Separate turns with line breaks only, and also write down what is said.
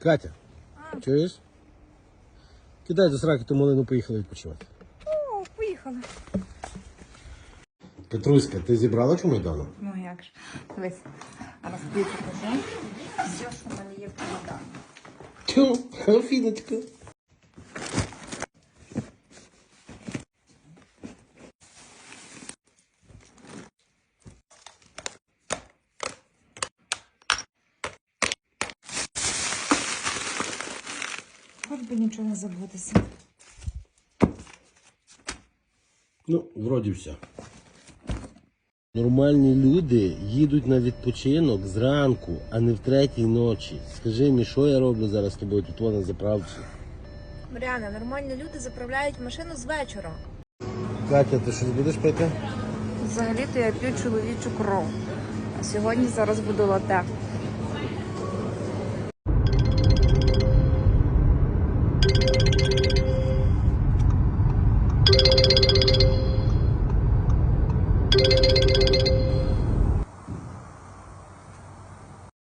Катя, чуєш? Кидай до сраки ту малину, поїхали відпочивати.
О, поїхали.
Петруська, ти зібрала чому Майдану?
Ну як ж. Дивись, зараз тобі покажу. Все, що в мене є в Майдану.
Тю, Афіночка.
Хоч би нічого не забутися.
Ну, вроді все. Нормальні люди їдуть на відпочинок зранку, а не в 3-й ночі. Скажи мені, що я роблю зараз з тобою тут на заправці?
Мар'яна, нормальні люди заправляють машину з вечора.
Катя, ти щось будеш пити?
Взагалі-то я п'ю чоловічу кров. А сьогодні зараз буду лате.